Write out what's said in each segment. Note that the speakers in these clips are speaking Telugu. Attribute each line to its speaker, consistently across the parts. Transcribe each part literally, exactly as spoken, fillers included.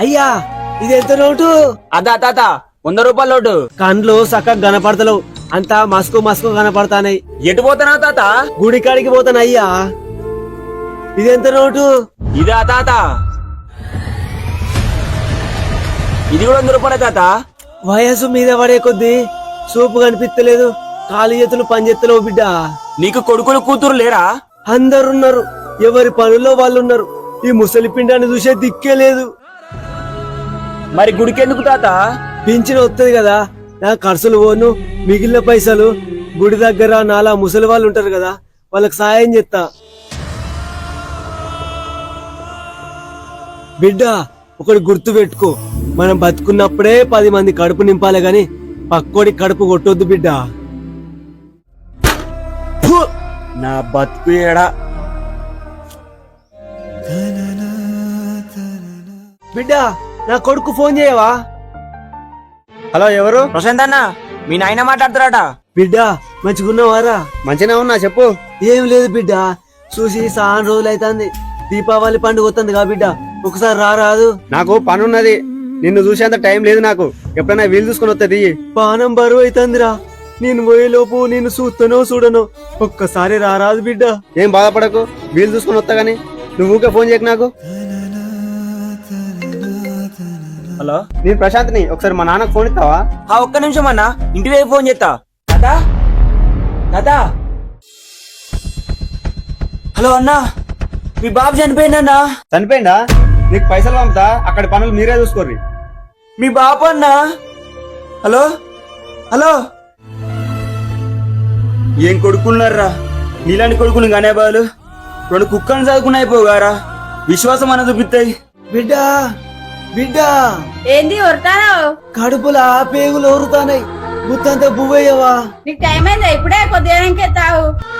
Speaker 1: అయ్యా ఇది ఎంత నోటు?
Speaker 2: అదా తాత వంద రూపాయల నోటు.
Speaker 1: కండ్లు సక్కగా కనపడతలేవు, అంతా మస్కు మస్కు కనపడతానాయి.
Speaker 2: ఎటు పోతున్నావు తాత?
Speaker 1: గుడి కాడికి పోతాను. అయ్యా ఇది ఎంత నోటు?
Speaker 2: ఇదా తాత? ఇది కూడా వంద రూపాయలే తాత.
Speaker 1: వయసు మీద పడే కొద్దీ సూపు కనిపిస్తలేదు, కాలు చేతులు పనిచేస్తలేవు బిడ్డ.
Speaker 2: నీకు కొడుకులు కూతురు లేరా?
Speaker 1: అందరున్నారు, ఎవరి పనుల్లో వాళ్ళు ఉన్నారు. ఈ ముసలి పిండాన్ని చూసే దిక్కే లేదు.
Speaker 2: మరి గుడికెందుకు తాత?
Speaker 1: పింఛన్ వస్తుంది కదా, నా ఖర్చులు పోను, మిగిలిన పైసలు గుడి దగ్గర నాలా ముసలి వాళ్ళు ఉంటారు కదా, వాళ్ళకి సాయం చేస్తా. బిడ్డ ఒకటి గుర్తు పెట్టుకో, మనం బతుకున్నప్పుడే పది మంది కడుపు నింపాలి గాని పక్కోడి కడుపు కొట్టొద్దు బిడ్డ.
Speaker 2: ఫు! నా బతుకు ఏడా.
Speaker 1: బిడ్డ నా కొడుకు ఫోన్ చేయవా?
Speaker 3: హలో, ఎవరు?
Speaker 2: ప్రశాంత్ అన్న, మీ నాయన మాట్లాడుతున్నారట.
Speaker 1: బిడ్డ మంచిగున్నావారా?
Speaker 3: మంచిగా ఉన్నా, చెప్పు.
Speaker 1: ఏం లేదు బిడ్డ, చూసి చాలా రోజులు అవుతుంది. దీపావళి పండుగ వస్తుంది కా బిడ్డ, ఒకసారి రారాదు?
Speaker 3: నాకు పని ఉన్నది, నిన్ను చూసేంత టైం లేదు నాకు. ఎప్పుడైనా వీలు చూసుకుని వస్తుంది.
Speaker 1: పానం బరువు అవుతుందిరా, నేను పోయేలోపు నేను చూస్తానో చూడను, ఒక్కసారి రారాదు బిడ్డ.
Speaker 3: ఏం బాధపడకు, వీలు చూసుకుని వస్తా గానీ నువ్వు ఊకే ఫోన్ చేయకు నాకు.
Speaker 2: హలో,
Speaker 3: నేను ప్రశాంత్ని, ఒకసారి మా నాన్నకు ఫోన్ ఇస్తావా?
Speaker 2: ఆ ఒక్క నిమిషం అన్న, ఇంటి వైపు ఫోన్ చేస్తా. తాత తాత, హలో అన్న, మీ బాబు చనిపోయిందన్నా.
Speaker 3: చనిపోయిందా? నీకు పైసలు పంపుతా, అక్కడ పనులు మీరే చూసుకోర్రి.
Speaker 2: మీ బాబు అన్నా. హలో హలో, ఏం కొడుకున్నారా? నీలాంటి కొడుకుని గానే బాలు రెండు కుక్కని చదువుకుని అయిపోగారా, విశ్వాసం అన్న చూపిస్తాయి.
Speaker 1: బిడ్డ బిడ్డ,
Speaker 4: ఏంది ఒరుతావు?
Speaker 1: కడుపులా పేగులు ఊరుతానాయి, గుత్తంతా బువ్వయ్యవా?
Speaker 4: నీకు టైం అయిందా? ఇప్పుడే కొద్దిగా తావు.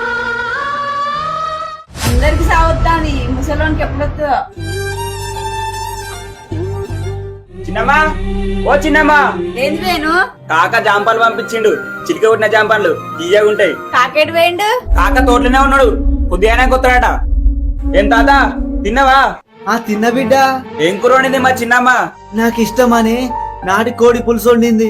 Speaker 4: అందరికి సాగుతాంది, ముసలోనికి ఎప్పుడు వస్తుందో.
Speaker 2: చిన్నమ్మా, ఓ చిన్నమ్మా.
Speaker 4: ఏంది వేణు?
Speaker 2: కాక జాంపాలు పంపించిండు, చిటిక కొట్టిన జాంపాలు తీయగా ఉంటాయి.
Speaker 4: కాకేటి వేయండు?
Speaker 2: కాక తోటలోనే ఉన్నాడు, కొద్దిగానే కొత్తాడట. ఏం తాత తిన్నావా?
Speaker 1: ఆ తిన్న బిడ్డ.
Speaker 2: ఏం కూర వండింది మా చిన్నమ్మ?
Speaker 1: నాకు ఇష్టమని నాటి కోడి పులుసు వండింది.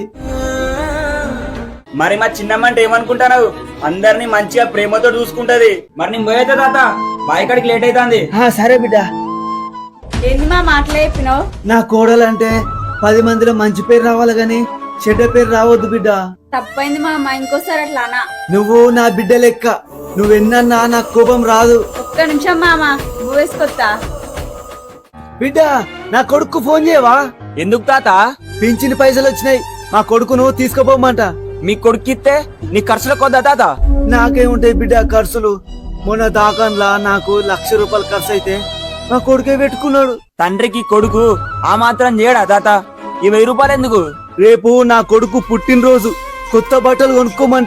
Speaker 2: మరి మా చిన్నమ్మ అంటే ఏమనుకుంటావు? అందరినీ మంచిగా ప్రేమతో చూసుకుంటది. మరి నేను పోయేదా తాత, బాయికాడికి లేట్ అవుతుంది.
Speaker 1: సరే బిడ్డ.
Speaker 4: ఏంది మా మాటలు చెప్పినావు?
Speaker 1: నా కోడలంటే పది మందిలో మంచి పేరు రావాలి గాని చెడ్డ పేరు రావద్దు బిడ్డ.
Speaker 4: తప్పైంది మామ, ఇంకోసారి అట్లా అనా.
Speaker 1: నువ్వు నా బిడ్డ లెక్క, నువ్వెన్నా నాకు కోపం రాదు.
Speaker 4: ఒక్క నిమిషం మామ, నువ్వు వేసుకొస్తా.
Speaker 1: బిడ్డ నా కొడుకు ఫోన్ చేయవా?
Speaker 2: ఎందుకు తాత?
Speaker 1: పింఛని పైసలు వచ్చినాయి, మా కొడుకును తీసుకుపోమంట.
Speaker 2: మీ కొడుకిస్తే నీ ఖర్చులకు వద్దా తాత?
Speaker 1: నాకేముంటాయి బిడ్డ ఖర్చులు? మొన్న దాకంలా నాకు లక్ష రూపాయలు ఖర్చు అయితే మా కొడుకే పెట్టుకున్నాడు.
Speaker 2: తండ్రికి కొడుకు ఆ మాత్రం చేయడా తాత? ఈ వెయ్యి రూపాయలు ఎందుకు?
Speaker 1: రేపు నా కొడుకు పుట్టినరోజు, కొత్త బట్టలు కొనుక్కోమంట.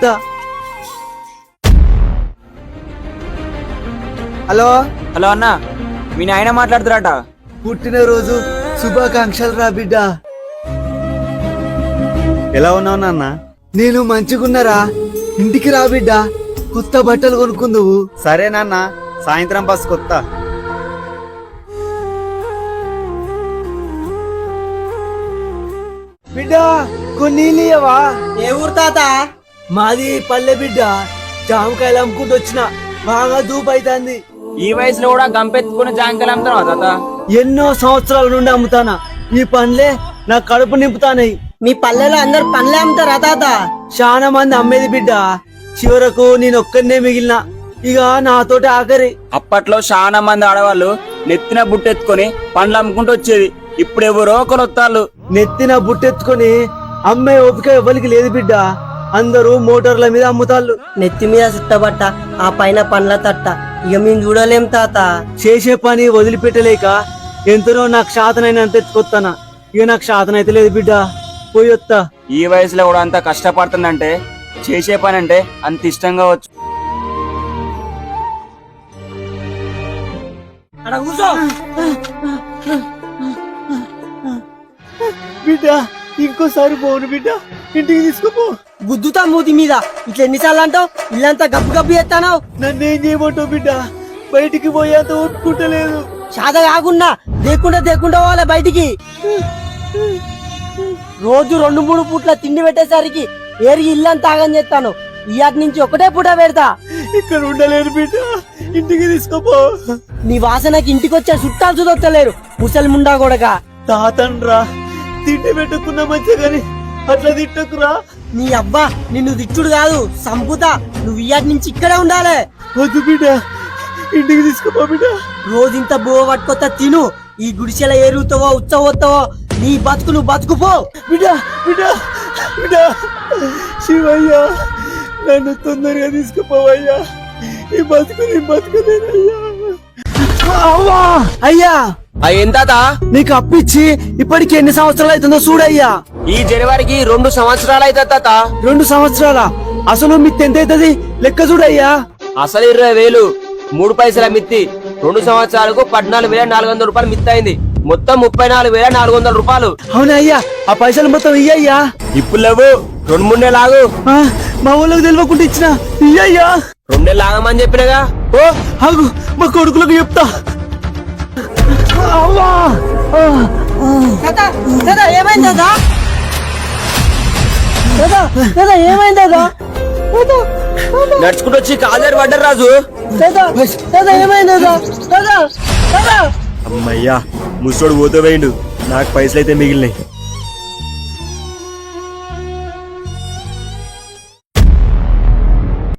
Speaker 1: హలో
Speaker 2: హలో అన్న, మీ నాయన మాట్లాడుతున్నారట.
Speaker 1: పుట్టినరోజు శుభాకాంక్షలు రా బిడ్డ.
Speaker 3: ఎలా ఉన్నావు నాన్న?
Speaker 1: నేను మంచిగున్నారా, ఇంటికి రా బిడ్డ, కొత్త బట్టలు కొనుక్కుందువు.
Speaker 3: సరే నాన్న, సాయంత్రం బస్ కొత్త.
Speaker 1: బిడ్డ కొన్ని నీళ్ళియవా?
Speaker 5: ఏ ఊరు తాత?
Speaker 1: మాది పల్లె బిడ్డ, జామకాయలు అమ్ముకుంటూ వచ్చిన, బాగా దూపు అవుతుంది.
Speaker 2: ఈ వయసులో కూడా గంపెత్తుకుని జాంకాయలు అమ్ముతున్నావా తాత?
Speaker 1: ఎన్నో సంవత్సరాల నుండి అమ్ముతానా, ఈ పనులే నా కడుపు నింపుతానాయి.
Speaker 5: మీ పల్లెలో అందరు పనులే అమ్ముతారా తాత?
Speaker 1: చాలా మంది అమ్మేది బిడ్డ, చివరకు నేను ఒక్కనే మిగిలిన, ఇక నాతోటి ఆఖరి.
Speaker 2: అప్పట్లో చాలా మంది ఆడవాళ్ళు నెత్తిన బుట్టెత్తుకొని పండ్లు అమ్ముకుంటూ వచ్చేది. ఇప్పుడు ఎవరో ఒకరు వస్తారు.
Speaker 1: నెత్తిన బుట్టెత్తుకొని అమ్మే ఓపిక ఎవరికి లేదు బిడ్డ, అందరూ మోటార్ల మీద అమ్ముతాళ్ళు.
Speaker 5: నెత్తి మీద చుట్టబట్ట, ఆ పైన పండ్ల తట్ట, ఇక మేము చూడలేం తాత.
Speaker 1: చేసే పని వదిలిపెట్టలేక ఎంతనో నాకు శాతనైనంత ఎత్తుకొస్తానా, ఇక నాకు శాతనైతే లేదు బిడ్డ, పోయొత్తా.
Speaker 2: ఈ వయసులో కూడా అంత కష్టపడుతుందంటే చేసే పని అంటే అంత ఇష్టంగా వచ్చు.
Speaker 1: బిడ్డ ఇంకోసారి పోను బిడ్డ, ఇంటికి తీసుకుపో.
Speaker 5: గుద్దుతా మూతి మీద, ఇట్లా ఎన్నిసార్లు అంటావు? ఇల్లంతా గబ్బు గబ్బు చేస్తానావు.
Speaker 1: నన్నేం చేయమంటావు బిడ్డ, బయటికి పోయేంత ఒప్పుకుంటలేదు.
Speaker 5: చాద కాకుండా దేకుండా దేకుండా పోవాలి బయటికి. రోజు రెండు మూడు పూట్ల తిండి పెట్టేసరికి ఏరికి ఇల్లంతా ఆగం చేస్తాను. ఇయాటి నుంచి ఒకటే పూట పెడతా.
Speaker 1: ఇక్కడ ఉండలేరు బిడ్డ, ఇంటికి తీసుకోపో.
Speaker 5: నీ వాసనకి ఇంటికి వచ్చే చుట్టాలు చూదొత్తలేరు ముసలి ముండా కొడక.
Speaker 1: తాతండ్రా తిండి పెట్టుకున్నా మంచిగా గాని అట్లా తిట్టకురా.
Speaker 5: నీ అబ్బా నిన్ను తిట్టుడు కాదు సంపుతా. నువ్వు ఇయాటి నుంచి ఇక్కడే ఉండాలి.
Speaker 1: వద్దు బిడ్డ, ఇంటికి తీసుకోపో బిడ్డ.
Speaker 5: రోజంత బువ్వ పట్టుకొత్తా తిను. ఈ గుడిసెల ఏరుగుతావో ఉచ్చవోతావో నీ బతుకు నువ్వు బతుకుపో.
Speaker 1: బిడ్డ బిడ్డ బిడ్డ, శివయ్య నన్ను తొందరగా తీసుకుపోవయ్యా. ఈ బతుకు నీ బతుకులేనయ్యా. అవ్వా అయ్యా,
Speaker 3: ఎంత
Speaker 1: నీకు అప్పిచ్చి ఇప్పటికి ఎన్ని సంవత్సరాలు అవుతుందో చూడయ్యా.
Speaker 3: ఈ జనవరికి రెండు సంవత్సరాలు అయితే తాత.
Speaker 1: రెండు సంవత్సరాల అసలు మిత్తి ఎంత అవుతుంది లెక్క చూడయ్యా.
Speaker 3: అసలు ఇరవై వేలు, మూడు పైసల మిత్తి. రెండు సంవత్సరాలకు పద్నాలుగు వేల నాలుగు వందల రూపాయలు మిత్తి అయింది. మొత్తం ముప్పై నాలుగు వేల నాలుగు వందల రూపాయలు.
Speaker 1: అవునా అయ్యా, ఆ పైసలు మొత్తం ఇయ్యయ్యా.
Speaker 3: ఇప్పుడు లేవు, రెండు మూడు నెలలు ఆగు.
Speaker 1: ఆ, మా ఊళ్ళకి తెలియకుండా ఇచ్చిన ఇయ్యయ్యా.
Speaker 3: రెండు నెలలు ఆగమని చెప్పినగా.
Speaker 1: ఓ ఆగు, మా కొడుకులకు చెప్తా. అవ్వా ఆ, ఆ.
Speaker 5: దాదా దాదా ఏమైంది దాదా? దాదా దాదా ఏమైంది దాదా? దాదా
Speaker 3: నడుచుకుంటూ వచ్చి కాలేరు పడ్డారు రాజు.
Speaker 5: దాదా దాదా ఏమైంది దాదా? దాదా దాదా
Speaker 2: అమ్మయ్యా, ముసోడు పోతే పోయిండు, నాకు పైసలు అయితే మిగిలినాయి.